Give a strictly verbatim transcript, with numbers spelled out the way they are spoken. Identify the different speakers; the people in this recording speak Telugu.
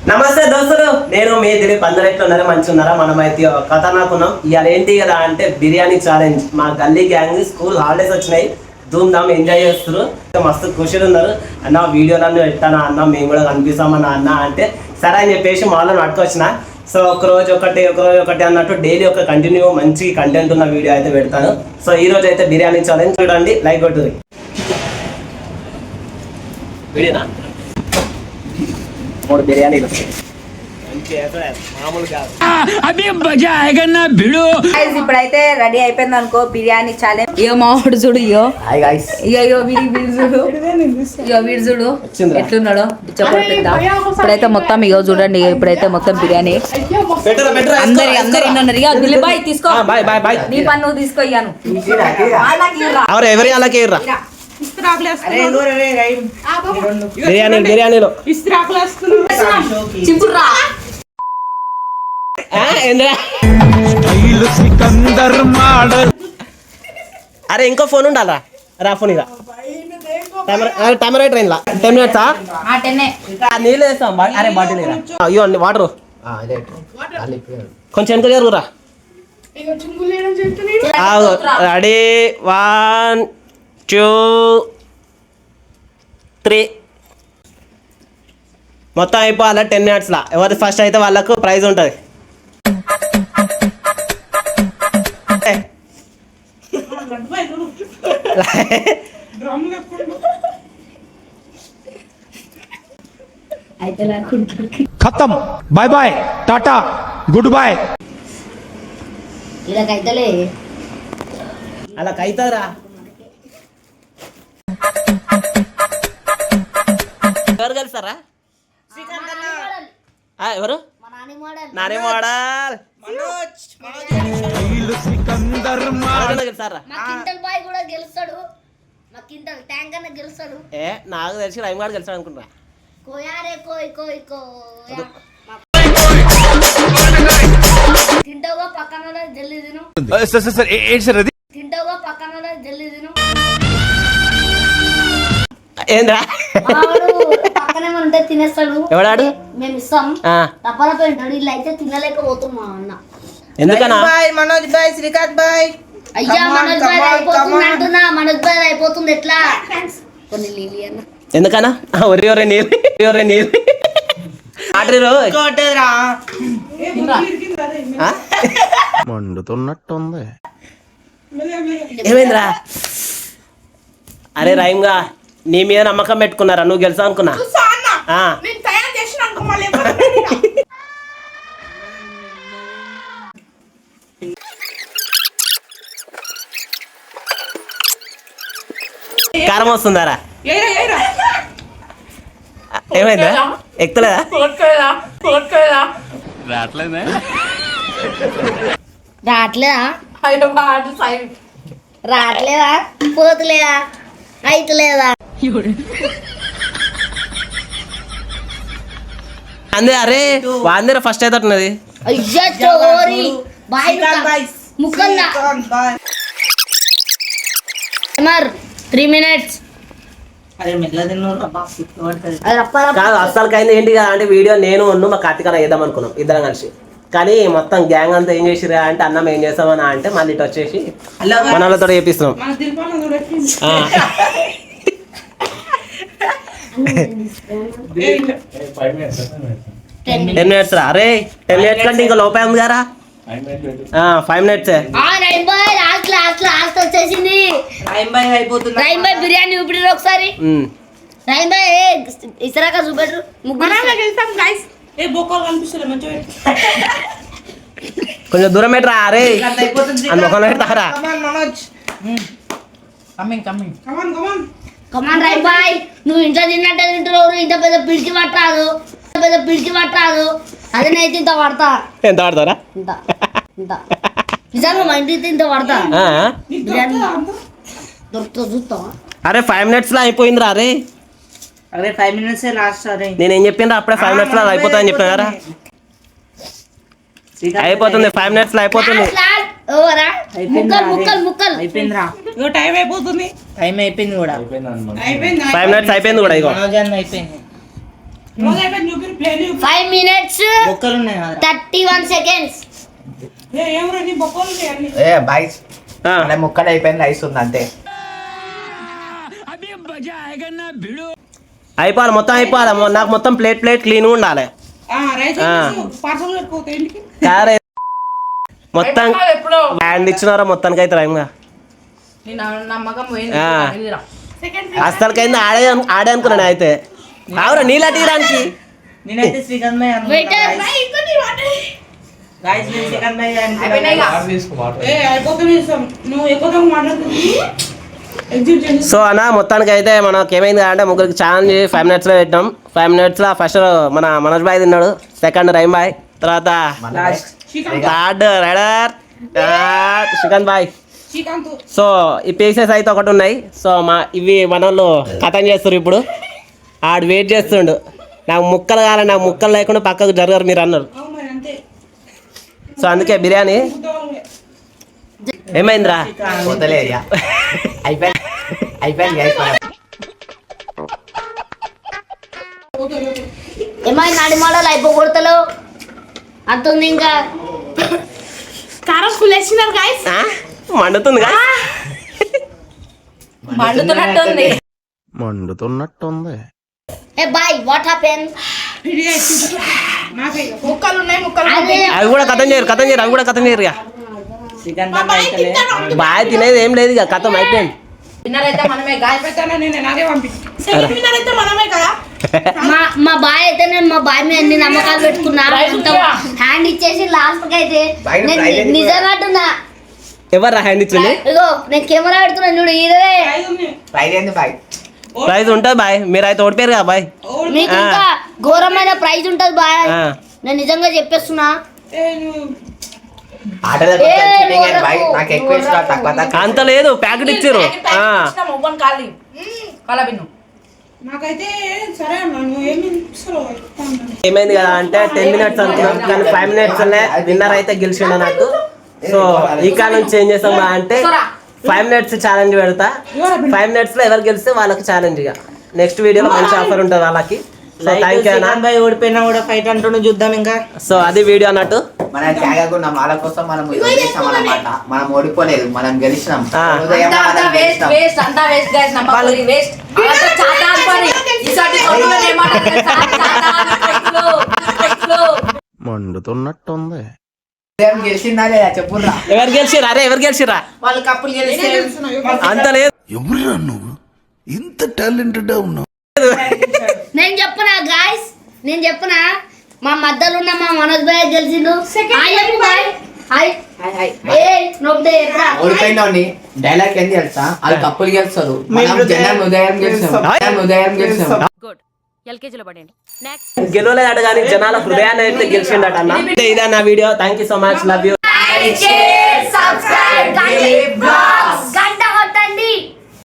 Speaker 1: నమస్తే దోస్తులు, నేను మీ దిలీప్. అందరు ఎట్లున్నారా? మంచిగా ఉన్నారా? మనమైతే కథ నాకున్నాం. ఇవాళ ఏంటి కదా అంటే బిర్యానీ ఛాలెంజ్. మా గల్లీ గ్యాంగ్ స్కూల్ హాలిడేస్ వచ్చినాయి, ధూమ్ ధామ్ ఎంజాయ్ చేస్తున్నారు, మస్తు ఖుషిగా ఉన్నారు. అన్న వీడియోలన్నీ పెట్టానా అన్న, మేము కూడా కనిపిస్తామన్నా అన్న అంటే సరే అని చెప్పేసి మాలో పట్టుకొచ్చిన. సో ఒక రోజు ఒకటి ఒక రోజు ఒకటి అన్నట్టు డైలీ ఒక కంటిన్యూ మంచి కంటెంట్ ఉన్న వీడియో అయితే పెడతాను. సో ఈ రోజు అయితే బిర్యానీ ఛాలెంజ్ చూడండి, లైక్ కొట్టుది. వీడియోనా మూడు బిర్యానీలు
Speaker 2: ఇప్పుడైతే రెడీ అయిపోయింది అనుకో బిర్యానీ ఛాలెంజ్. ఇయో మామిడి చూడు, ఇయో ఇయో వీడి వీడి చూడు, ఇయో వీడి చూడు ఎట్లున్నాడో ఇచ్చపడుతుందా. ఇప్పుడైతే మొత్తం ఇయో చూడండి, ఇప్పుడైతే మొత్తం బిర్యానీ అందరి అందరి ఉన్నారు. ఇక దిలీబాయ్ తీసుకో, నీ పని నువ్వు తీసుకో. ఇయ్యాను
Speaker 1: బిర్యానీ బిర్యానీలో
Speaker 2: చింపుర్రా.
Speaker 1: అరే ఇంకో ఫోన్ ఉండాలా? రా ఫోన్ ఇక టైమర్ ట్రైన్ లా టెన్ మినిట్సా నీళ్ళు వేస్తాం. అరే బాటిల్ అయ్యో అండి వాటర్ కొంచెం వెనక జరుగురా. Ready, one two three. మొత్తం అయిపోవాలి టెన్ మినిట్స్లో. ఎవరి ఫస్ట్ అయితే వాళ్ళకు ప్రైజ్ ఉంటుంది.
Speaker 3: ఖతం, bye bye, tata, good boy.
Speaker 2: ఇలాగైతలే
Speaker 1: అలా కైతారా. ఎవరు కలిసారా? ఎవరు? నాని మోడల్ ఏ నాకు తెలిసి రైమ్ గారు గెలిచాడు అనుకుంటా.
Speaker 4: తింటావా పక్కన జల్లి తిను, తింటావా పక్కన జల్లి తిను.
Speaker 1: ఏంద్రా
Speaker 4: పక్కనే ఉంటే తినేస్తాడు.
Speaker 1: ఎవడాడు?
Speaker 4: మేము ఇస్తాం. తప్పలపై ఉంటాడు. ఇల్లు అయితే తినలేకపోతున్నా అన్న.
Speaker 1: ఎందుకన్నా?
Speaker 5: మనోజ్ బాయ్, శ్రీకాంత్ బాయ్.
Speaker 4: అయ్యా మనోజ్ బాయ్ అయిపోతుంది అంటున్నా. మనోజ్ బాయ్ అయిపోతుంది ఎట్లా? కొన్ని నీళ్ళు అన్న.
Speaker 1: ఎందుకన్నా? ఒరే ఒరే నీళ్ళు, ఒరే నీళ్ళు
Speaker 3: మండుతున్నట్టుంది.
Speaker 1: ఏమైందిరా? అరే రైమ్గా నీ మీద నమ్మకం పెట్టుకున్నారా? నువ్వు గెలుసా అనుకున్నా. కారం వస్తుందారా? ఏమైందా? ఎక్కుతలేదా?
Speaker 4: రావట్లేదా? రావట్లేదా? పోతలేదా? అయితలేదా?
Speaker 1: అందే అరే వాందేరా ఫస్ట్ అవుతున్నది.
Speaker 4: అయ్యా చోరీ బాయ్ ముక్కల్లా త్రీ మినిట్స్
Speaker 1: కాదు అస్సలు కైంది ఏంటి కదా అంటే వీడియో నేను ఉన్ను మా కార్తీక వేద్దాం అనుకున్నాం ఇద్దరం కలిసి. కానీ మొత్తం గ్యాంగ్ అంతా ఏం చేసిరా అంటే అన్నం ఏం చేస్తామన్నా అంటే మళ్ళీ ఇటు వచ్చేసి మన వాళ్ళతో చేపిస్తున్నాం. టెన్ మినిట్స్ రా. అరే టెన్ మినిట్స్ కంటే ఇంకా లోపే ఉంది కదా. ఫైవ్ మినిట్స్
Speaker 4: వచ్చేసింది. బిర్యానీ చూపిడు ఒకసారి. ఇసరాక చూపెట్టు.
Speaker 1: కొంచెం దూరం పెట్టరా. అరే అందుకని పెడతారా?
Speaker 4: కమాన్ రైట్ బాయ్. నువ్వు ఇంట్లో తిన్నట్టే తింటున్నావు. ఇంత పెద్ద పిడికి పట్టాదు, పెద్ద పిడికి పట్టాదు. అదే నైతే ఇంత పడతా.
Speaker 1: ఎంత పడతారా?
Speaker 4: ఇంత ఇంత నిజంగా మా ఇంటికి ఇంత పడతా. బిర్యానీ దొరుకుతా చూస్తావా?
Speaker 1: అరే ఫైవ్ మినిట్స్ లో అయిపోయిందిరా. అరే
Speaker 5: అరే ఫైవ్ మినిట్స్ లాస్ట్. అరే
Speaker 1: నేనేం చెప్పిండ్రా? అప్పుడే ఫైవ్ మినిట్స్ లో అయిపోతాయని చెప్పినారా? అయిపోతుంది, ఫైవ్ మినిట్స్ లో అయిపోతుంది.
Speaker 5: అయిపోయిందిరా. టైం అయిపోతుంది. టైం అయిపోయింది కూడా.
Speaker 1: ఫైవ్ మినిట్స్ అయిపోయింది కూడా. ఇగో
Speaker 5: అయిపోయింది.
Speaker 4: ఫైవ్ మినిట్స్
Speaker 5: బొక్కలు ఉన్నాయి కదా.
Speaker 4: థర్టీ వన్ సెకండ్స్
Speaker 6: ఏ బాయ్స్
Speaker 1: ఆ.
Speaker 6: అలా ముక్కలు అయిపోయింది రైస్ ఉంది అంతే
Speaker 1: అయిపోవాలి మొత్తం అయిపోవాలి మొ- నాకు మొత్తం ప్లేట్ ప్లేట్ క్లీన్ ఉండాలి ఆ. కారే మొత్తం హ్యాండ్ ఇచ్చినారా మొత్తానికి అయితే రైమ్గా
Speaker 2: నమ్మకం
Speaker 1: ఆ. అసలుకైంది ఆడే అను- ఆడే అనుకున్నాను అయితే కావురా నీళ్ళ తీయడానికి
Speaker 5: నేనైతే శ్రీకాంత్ భాయ్ అనుకున్నా.
Speaker 4: వెయిటర్
Speaker 5: Guys, నేను శ్రీకాంత్ భాయ్ అనుకున్నా.
Speaker 1: సో అన్న మొత్తానికి అయితే మనకి ఏమైంది అంటే ముగ్గురికి ఛాలెంజ్ ఫైవ్ మినిట్స్లో పెట్టినాం ఫైవ్ మినిట్స్లో ఫస్ట్ మన మనోజ్ బాయ్ తిన్నాడు సెకండ్ రైమ్ బాయ్ తర్వాత థర్డ్ రైడర్ శ్రీకాంత్ బాయ్ సో ఈ పీసెస్ అయితే ఒకటి ఉన్నాయి సో మా ఇవి మన వాళ్ళు కథం చేస్తారు ఇప్పుడు ఆడు వెయిట్ చేస్తుండు నాకు ముక్కలు కావాలి నాకు ముక్కలు లేకుండా పక్కకు జరగరు మీరు అన్నారు సో అందుకే బిర్యానీ ఏమైందిరా
Speaker 6: వదలేదు ఇక. అయిపోయింది అయిపోయింది guys మనం.
Speaker 4: ఏమైనా నడి మోడల్ అయిపోకూడతలు అంతుంది ఇంకా కారం ఫుల్ వేసినారు గాయస్
Speaker 1: ఆ? మండుతుంది కదా
Speaker 2: మండుతున్నట్టుంది
Speaker 7: మండుతున్నట్టుంది
Speaker 4: ఏ బాయ్ వాట్ హ్యాపెన్
Speaker 2: ముక్కలు ఉన్నాయి ముక్కలు
Speaker 4: అదే
Speaker 1: అవి కూడా కథం చేయరు కథం చేయరు అవి కూడా కథం చేయరు ఇక
Speaker 5: శ్రీకాంత్ భాయ్ అయితేలే.
Speaker 1: బాగా తినేది ఏం లేదు ఇక కథం అయిపోయింది
Speaker 2: విన్నర్ అయితే మనమే గాయ
Speaker 4: మా మా బాయ్ అయితే నేను మా బాయ్ మీద ఎన్ని నమ్మకాలు పెట్టుకున్నా హ్యాండ్ ఇచ్చేసి లాస్ట్ కి అయితే
Speaker 6: బాయ్
Speaker 4: నేను
Speaker 6: ప్రైజ్ ఎంత?
Speaker 4: నిజంగా అంటున్నా
Speaker 1: ఎవరు హ్యాండ్ ఇచ్చింది
Speaker 4: ఇగో నేను కెమెరా పెడుతున్నా చూడు ఇదే
Speaker 6: ప్రైజ్ ఏంది బాయ్
Speaker 1: ప్రైజ్ ఉంటుంది బాయ్ మీరు అయితే ఓడిపోయారు కదా బాయ్
Speaker 4: మీకు
Speaker 1: ఆ.
Speaker 4: ఇంకా ఘోరమైన ప్రైజ్ ఉంటది బాయ్
Speaker 1: ఆ.
Speaker 4: నేను నిజంగా చెప్పేస్తున్నా
Speaker 6: ఆటలో
Speaker 4: ఏ,
Speaker 6: చీటింగ్
Speaker 4: నువ్వు
Speaker 6: బాయ్ నాకు ఎక్కువ ఇష్టం తక్కువ తక్కువ
Speaker 1: అంత లేదు ప్యాకెట్ ఇచ్చారు ఆ.
Speaker 2: మొగ్గని కాలి కాలా బిన్ను
Speaker 5: నాకైతే సరే అన్న నువ్వు ఏమి
Speaker 1: ఏమైంది కదా అంటే టెన్ మినిట్స్ అనుకున్నాం కానీ ఫైవ్ మినిట్స్ విన్నర్ అయితే గెలిచిండు అన్నట్టు సో ఈ కాలం నుంచి ఏం చేస్తాం బా అంటే ఫైవ్ మినిట్స్ ఛాలెంజ్ పెడతా ఫైవ్ మినిట్స్ లో ఎవరు గెలిస్తే వాళ్ళకి ఛాలెంజ్ ఇక నెక్స్ట్ వీడియోలో మంచి ఆఫర్ ఉంటుంది వాళ్ళకి సో
Speaker 5: లైక్
Speaker 1: థ్యాంక్ యూ అన్న
Speaker 5: శ్రీకాంత్ భాయ్ ఓడిపోయినా కూడా ఫైట్ అంటుండు చూద్దాం ఇంకా.
Speaker 1: సో అది వీడియో అన్నట్టు
Speaker 6: మన త్యాగకుండా వాళ్ళ కోసం మనం వదిలేసాం అన్నమాట మనం ఓడిపోలేదు మనం గెలిచినాం
Speaker 1: ఆ.
Speaker 6: ఉదయం
Speaker 2: అంతా అంతా
Speaker 6: మనం
Speaker 2: వేస్ట్
Speaker 6: గెలిచినాం.
Speaker 2: వేస్ట్ అంతా వేస్ట్ గైస్ నమ్మకాలు వేస్ట్ అంతా చాతా అనుకోని ఈసారి కొనుగోలు ఏమంటారు తెలుసా? చాతా అని పెట్లు, పెట్లు.
Speaker 7: మండుతున్నట్టుంది
Speaker 6: ఉదయం గెలిచిందా లేదా చెప్పుర్రా
Speaker 1: ఎవరు గెలిచిరా అరే ఎవరు గెలిచిరా
Speaker 5: వాళ్ళు కప్పులు గెలిస్తే
Speaker 1: అంత లేదు
Speaker 7: ఎవరురా నువ్వు ఇంత టాలెంటెడ్ ఉన్నావు
Speaker 4: నేను చెప్పనా గాయస్ నేను చెప్పనా మా మధ్యలో ఉన్న మా మనోజ్ భాయ్ గెలిచిండు హాయ్ చెప్పు బాయ్ హాయ్ ఏ నొప్పి ఎట్లా
Speaker 6: ఓడిపోయినోని డైలాగ్ ఏంది తెలుసా వాళ్ళు కప్పులు గెలుస్తారు మనం జనం ఉదయం గెలిచాం జనం ఉదయం గెలిచాం
Speaker 1: గెలవలేదట కానీ జనాల హృదయాన్ని అయితే గెలిచిండట అన్న ఇదే నా video thank you so much love you
Speaker 2: Like, share, subscribe, guys.